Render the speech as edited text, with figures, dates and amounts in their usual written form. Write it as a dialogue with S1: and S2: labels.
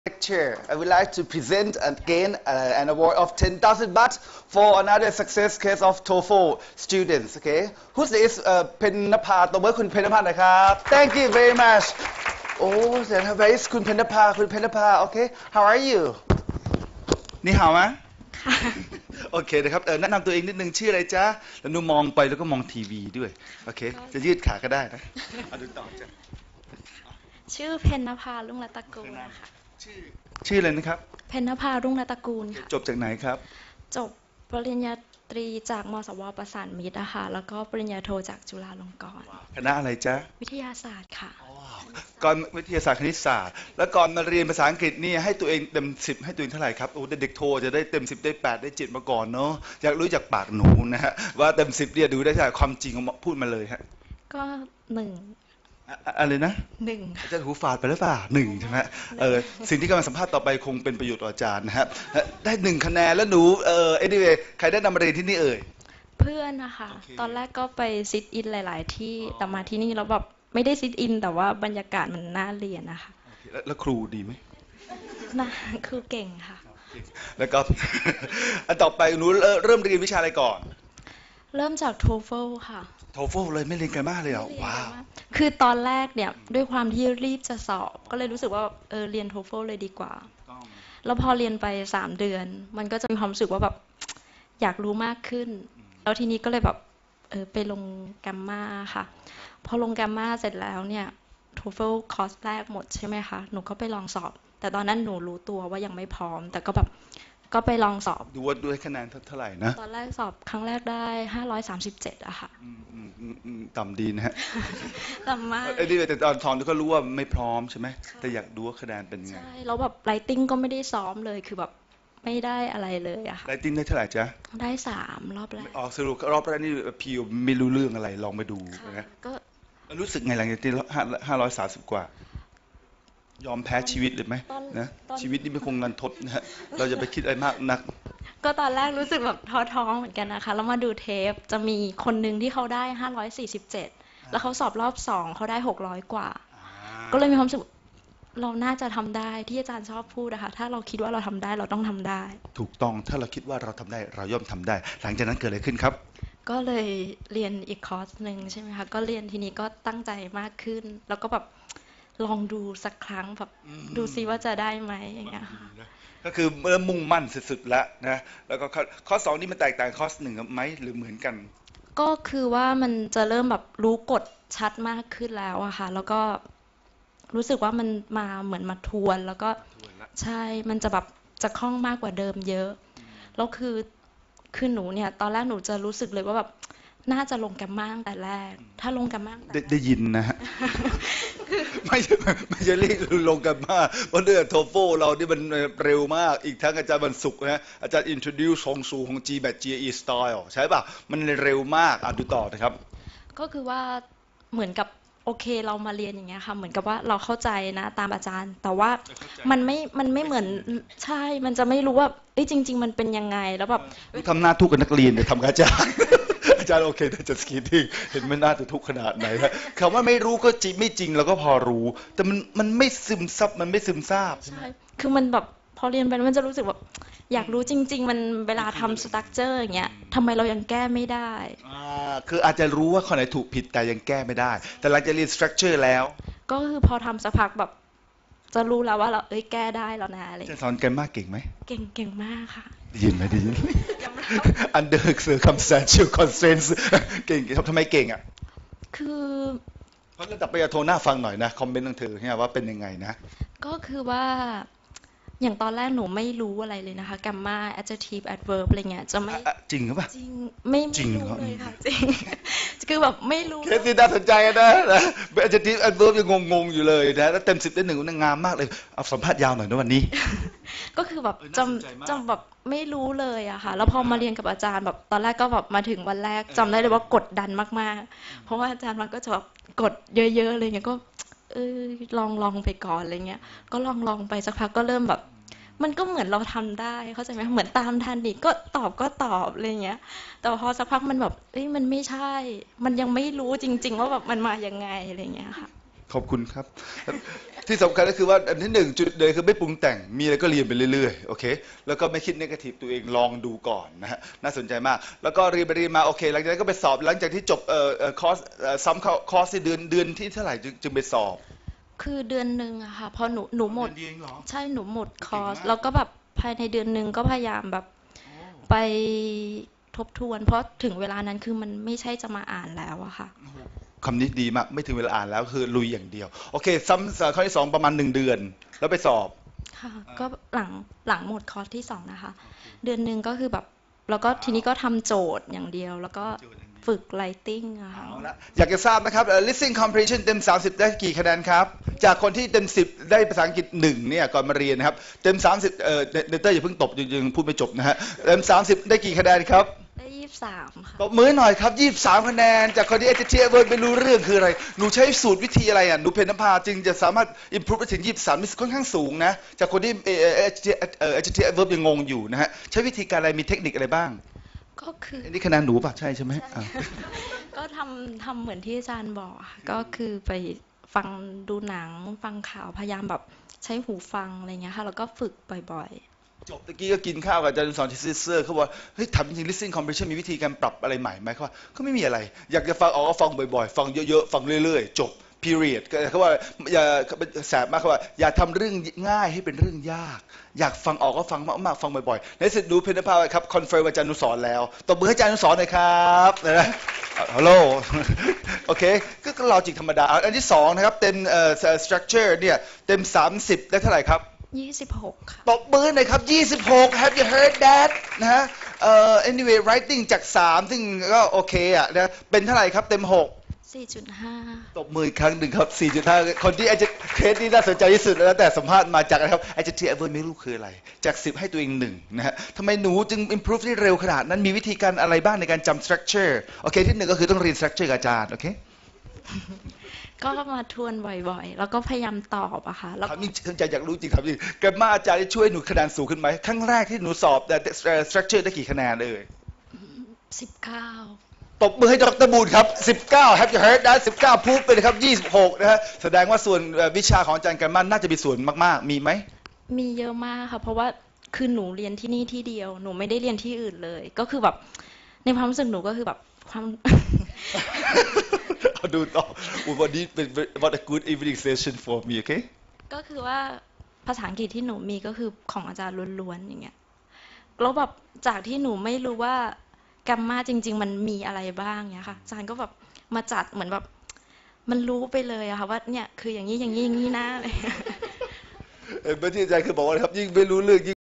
S1: lecture, I would like to present again an award of 10,000 baht for another success case of TOEFL students. Okay, who's this? เพนนภาตบมือคุณเพนนภาหน่อยครับ Thank you very much. Oh, then where is คุณเพนนภาคุณเพนนภา Okay, how are you? นี่หาวไหมค่ะโอเคนะครับแนะนำตัวเองนิดนึงชื่ออะไรจ๊ะแล้วนูมองไปแล้วก็มองทีวีด้วยโอเคจะยืดขาก็ได้นะเอาดูต่อจ้ะ
S2: ชื่อเพนนภารุ่งรัตนกูลค่ะ
S1: ชื่ออะไรนะครับ
S2: เพนนภารุ่งรัตนกูลค่ะ
S1: จบจากไหนครับ
S2: จบปริญญาตรีจากมศว.ประสานมิตรค่ะแล้วก็ปริญญาโทจากจุฬาลงกรณ์
S1: คณะอะไรจ๊ะ
S2: วิทยาศาสตร์ค่ะ
S1: ก่อนวิทยาศาสตร์คณิตศาสตร์แล้วก่อนมาเรียนภาษาอังกฤษนี่ให้ตัวเองเต็ม10ให้ตัวเองเท่าไหร่ครับโอ้เด็กโทจะได้เต็ม10ได้8ได้7มาก่อนเนาะอยากรู้จากปากหนูนะฮะว่าเต็ม10เนี่ยดูได้จากความจริงพูดมาเลยฮะ
S2: ก็1
S1: อะไรนะ
S2: 1
S1: อาจารย์หูฝาดไปหรือเปล่า1ใช่ไหมสิ่งที่กำลังสัมภาษณ์ต่อไปคงเป็นประโยชน์ต่ออาจารย์นะฮะได้1คะแนนแล้วหนูanyway ใครได้นำมาเรียนที่นี่เอ่ย
S2: เพื่อนนะคะตอนแรกก็ไปซิทอินหลายๆที่แต่มาที่นี่แล้วแบบไม่ได้ซิทอินแต่ว่าบรรยากาศมันน่าเรียนนะคะ
S1: แล้วครูดีไหม
S2: น่าครูเก่งค่ะ
S1: แล้วก็อันต่อไปหนูเริ่มเรียนวิชาอะไรก่อน
S2: เริ่มจาก TOEFL ค่ะ
S1: TOEFL เลยไม่เรียนกันมากเลยเหรอว้าว
S2: คือตอนแรกเนี่ยด้วยความที่รีบจะสอบก็เลยรู้สึกว่าเรียน TOEFL เลยดีกว่าแล้วพอเรียนไป3เดือนมันก็จะมีความรู้สึกว่าแบบอยากรู้มากขึ้นแล้วทีนี้ก็เลยแบบไปลงแกมมาค่ะพอลงแกมมาเสร็จแล้วเนี่ย TOEFL คอร์สแรกหมดใช่ไหมคะหนูก็ไปลองสอบแต่ตอนนั้นหนูรู้ตัวว่ายังไม่พร้อมแต่ก็แบบก็ไปลองสอบ
S1: ดูว่าด้วยคะแนนเท่าไหร่นะ
S2: ตอนแรกสอบครั้งแรกได้537อะค่ะ
S1: ต่ำดีนะฮะ
S2: ต่ำมาก
S1: แต่ตอนสอนก็รู้ว่าไม่พร้อมใช่ไหมแต่อยากดูว่าคะแนนเป็นไง
S2: ใช่แล้วแบบ writing ก็ไม่ได้ซ้อมเลยคือแบบไม่ได้อะไรเลยอะค่ะ
S1: writing ได้เท่าไหร่จ๊ะ
S2: ได้3รอบแรก
S1: สรุปรอบแรกนี่พี่ไม่รู้เรื่องอะไรลองไปดูนะ
S2: ก็
S1: รู้สึกไงหลังจากที่530กว่ายอมแพ้ชีวิตเลยไหมนะชีวิตนี่ไม่คงนันทดนะฮะเราจะไปคิดอะไรมากนัก
S2: ก็ตอนแรกรู้สึกแบบท้อท้องเหมือนกันนะคะแล้วมาดูเทปจะมีคนหนึ่งที่เขาได้547แล้วเขาสอบรอบ2เขาได้600กว่าก็เลยมีความรู้สึกเราน่าจะทำได้ที่อาจารย์ชอบพูดนะคะถ้าเราคิดว่าเราทำได้เราต้องทำได้
S1: ถูกต้องถ้าเราคิดว่าเราทำได้เราย่อมทำได้หลังจากนั้นเกิดอะไรขึ้นครับ
S2: ก็เลยเรียนอีกคอร์สหนึ่งใช่ไหมคะก็เรียนทีนี้ก็ตั้งใจมากขึ้นแล้วก็แบบลองดูสักครั้งแบบดูซิว่าจะได้ไหมอย่างเงี้ย
S1: ก็คือเมื่อมุ่งมั่นสุดๆแล้วนะแล้วก็ข้อ2นี่มันแตกต่างข้อ1ไหมหรือเหมือนกัน
S2: ก็คือว่ามันจะเริ่มแบบรู้กฎชัดมากขึ้นแล้วอะค่ะแล้วก็รู้สึกว่ามันมาเหมือนมาทวนแล้วก็ใช่มันจะแบบจะคล่องมากกว่าเดิมเยอะแล้วคือหนูเนี่ยตอนแรกหนูจะรู้สึกเลยว่าแบบน่าจะลงแกมมาตั้งแต่แรกถ้าลงแกมมา
S1: ได้ยินนะฮะไม่ใช่เรียกลงแกมมาเพราะเรื่องโทโฟเรานี่มันเร็วมากอีกทั้งอาจารย์บรรสุกนะอาจารย์ introduce ของสูของ GMAT GRE style ใช่ป่ะมันเร็วมากดูต่อนะครับ
S2: ก็คือว่าเหมือนกับโอเคเรามาเรียนอย่างเงี้ยค่ะเหมือนกับว่าเราเข้าใจนะตามอาจารย์แต่ว่ามันไม่เหมือนใช่มันจะไม่รู้ว่าจริงๆมันเป็นยังไงแล้วแบบ
S1: ทำหน้าทุกข์กับนักเรียนเนี่ยทำกับอาจารย์อาจารย์โอเคแต่จะสกีทิ้งเห็นมันน่าจะทุกข์ขนาดไหนครับคำว่าไม่รู้ก็จริงไม่จริงเราก็พอรู้แต่มันไม่ซึมซับมันไม่ซึมซาบ
S2: ใช่คือมันแบบพอเรียนไปมันจะรู้สึกแบบอยากรู้จริงๆมันเวลาทำสตรัคเจอร์อย่างเงี้ยทำไมเรายังแก้ไม่ได้
S1: คืออาจจะรู้ว่าข้อไหนถูกผิดแต่ยังแก้ไม่ได้แต่หลังจากเรียนสตรัคเจอร์แล้ว
S2: ก็คือพอทำสักพักแบบจะรู้แล้วว่าเราแก้ได้แล้วนะอะไร
S1: จะสอนแกมมากเก่งไหม
S2: เก่งมากค่ะ
S1: ได้ยินไหมได้ยิน under circumstantial constraints เก่งทำไมเก่งอ่ะ
S2: คือ
S1: เพราะระดับปริญญาโทน่าฟังหน่อยนะคอมเมนต์ของเธอเนี่ยว่าเป็นยังไงนะ
S2: ก็คือว่าอย่างตอนแรกหนูไม่รู้อะไรเลยนะคะ gamma adjective adverb อะไรเงี้ยจะไม่
S1: จริงหรือเปล่า
S2: จริงไม่รู้เลยค่ะจริงคือแบบไม่รู้
S1: เคสที่น่าสนใจนะ adjective adverb ยังงงอยู่เลยนะแล้วเต็ม10ได้1มันงามมากเลยเอาสัมภาษณ์ยาวหน่อยนะวันนี้
S2: ก็คือแบบจำแบบไม่รู้เลยอะค่ะแล้วพอมาเรียนกับอาจารย์แบบตอนแรกก็แบบมาถึงวันแรกจำได้เลยว่ากดดันมากๆเพราะว่าอาจารย์มันก็จะแบบกดเยอะๆเลยเงี้ยก็ลองไปก่อนอะไรเงี้ยก็ลองไปสักพักก็เริ่มแบบมันก็เหมือนเราทำได้เข้าใจไหมเหมือนตามทันดิก็ตอบอะไรเงี้ยแต่พอสักพักมันแบบมันไม่ใช่มันยังไม่รู้จริงๆว่าแบบมันมายังไงอะไรเงี้ยค่ะ
S1: ขอบคุณครับที่สำคัญก็คือว่าอันที่หนึ่งจุดเลยคือไม่ปรุงแต่งมีอะไรก็เรียนไปเรื่อยๆโอเคแล้วก็ไม่คิดเนกาทีฟตัวเองลองดูก่อนนะฮะน่าสนใจมากแล้วก็เรียนไปเรียนมาโอเคหลังจากนั้นก็ไปสอบหลังจากที่จบคอร์สซ้ำคอร์สที่เดือนที่เท่าไหร่จึงไปสอบ
S2: คือเดือนหนึ่งอะค่ะพอหนูหมด
S1: เดือนเดียวเองเหรอ
S2: ใช่หนูหมดคอร์ส
S1: เก่งมาก
S2: แล้วก็แบบภายในเดือนหนึ่งก็พยายามแบบไปทบทวนเพราะถึงเวลานั้นคือมันไม่ใช่จะมาอ่านแล้วอะค่ะ
S1: คำนี้ดีมากไม่ถึงเวลาอ่านแล้วคือลุยอย่างเดียวโอเคซ้ำข้อที่สองประมาณ1 เดือนแล้วไปสอบ
S2: ค่ะก็หลังหมดคอร์สที่สองนะคะเดือนหนึ่งก็คือแบบแล้วก็ทีนี้ก็ทำโจทย์อย่างเดียวแล้วก็ฝึก writing อะค่ะ
S1: เอาละอยากจะทราบนะครับlistening comprehension เต็ม30ได้กี่คะแนนครับจากคนที่เต็ม10ได้ภาษาอังกฤษ1เนี่ยก่อนมาเรียนนะครับเต็ม30เนเตอร์อย่าเพิ่งตบยังพูดไม่จบนะฮะเต็ม30ได้กี่คะแนนครับ
S2: ได้23ค่ะ
S1: ตบมือหน่อยครับ23คะแนนจากคนที่ adjective verb ไม่รู้เรื่องคืออะไรหนูใช้สูตรวิธีอะไรอ่ะหนูเพญนภาจึงจะสามารถ improve ไปถึง23นี่ค่อนข้างสูงนะจากคนที่ adjective verb ยังงงอยู่นะฮะใช้วิธีการอะไรมีเทคนิคอะไรบ้าง
S2: ก็คือ
S1: อันนี้คะแนนหนูป่ะใช่ใช่ไหม
S2: ก็ทำเหมือนที่อาจารย์บอกค่ะก็คือไปฟังดูหนังฟังข่าวพยายามแบบใช้หูฟังอะไรเงี้ยค่ะแล้วก็ฝึกบ่อย
S1: จบตะกี้ก็กินข้าวกับอาจารย์สอนที่ซิสเซอร์เขาบอกเฮ้ยทำจริง listening comprehension มีวิธีการปรับอะไรใหม่ไหมเขาว่าก็ไม่มีอะไรอยากจะฟังออกก็ฟังบ่อยๆฟังเยอะๆฟังเรื่อยๆจบ period เขาว่าอย่าแสบมากเขาว่าอย่าทำเรื่องง่ายให้เป็นเรื่องยากอยากฟังออกก็ฟังมากๆฟังบ่อยๆในสุดดูเพนภาครับคอนเฟิร์มอาจารย์นุสรแล้วตบมือให้อาจารย์นุสรหน่อยครับนะฮัลโหลโอเคก็ลอจิกธรรมดาอันที่สองนะครับเต็มstructure เนี่ยเต็ม30ได้เท่าไหร่ครับ
S2: 26ค่ะ
S1: ตบมือหน่อยครับ26 Have you heard that นะฮะanyway writing จาก3ซึ่งก็โอเคอ่ะนะเป็นเท่าไหร่ครับเต็ม6
S2: 4.5
S1: ตบมืออีกครั้งหนึ่งครับ 4.5 คนที่อาจจะเคสนี้น่าสนใจที่สุดแล้วแต่สัมภาษณ์มาจากนะครับ adjective verb ไม่รู้คืออะไรจาก10ให้ตัวเอง1นะฮะทำไมหนูจึง improve ได้เร็วขนาดนั้นมีวิธีการอะไรบ้างในการจำ structure โอเคที่1ก็คือต้องเรียน structure กับอาจารย์โอเค
S2: ก็มาทวนบ่อยๆแล้วก็พยายามตอบอะค่ะแล้ว
S1: ถามจริงอยากรู้จริงถามจริงแกรมมาอาจารย์ได้ช่วยหนูคะแนนสูงขึ้นไหมครั้งแรกที่หนูสอบแต่ structure ได้กี่คะแนนเลย
S2: 19
S1: ตบมือให้ดร.บูลครับ19 Have you heard that 19พูดไปเลยครับ26นะฮะแสดงว่าส่วนวิชาของอาจารย์แกรมมาน่าจะมีส่วนมากๆมีไหม
S2: มีเยอะมากค่ะเพราะว่าคือหนูเรียนที่นี่ที่เดียวหนูไม่ได้เรียนที่อื่นเลยก็คือแบบในความรู้สึกหนูก็คือแบบความ
S1: เอาดูต่อวันนี้เป็น what a good evening session for me okay
S2: ก็คือว่าภาษาอังกฤษที่หนูมีก็คือของอาจารย์ล้วนๆอย่างเงี้ยแล้วแบบจากที่หนูไม่รู้ว่าแกรมมาจริงๆมันมีอะไรบ้างเนี้ยค่ะอาจารย์ก็แบบมาจัดเหมือนแบบมันรู้ไปเลยอะค่ะว่าเนี่ยคืออย่างนี้อย่างนี้อย่างนี้นะอะไร
S1: เมื่อที่อาจารย์คือบอกว่าครับยิ่งไม่รู้เรื่อง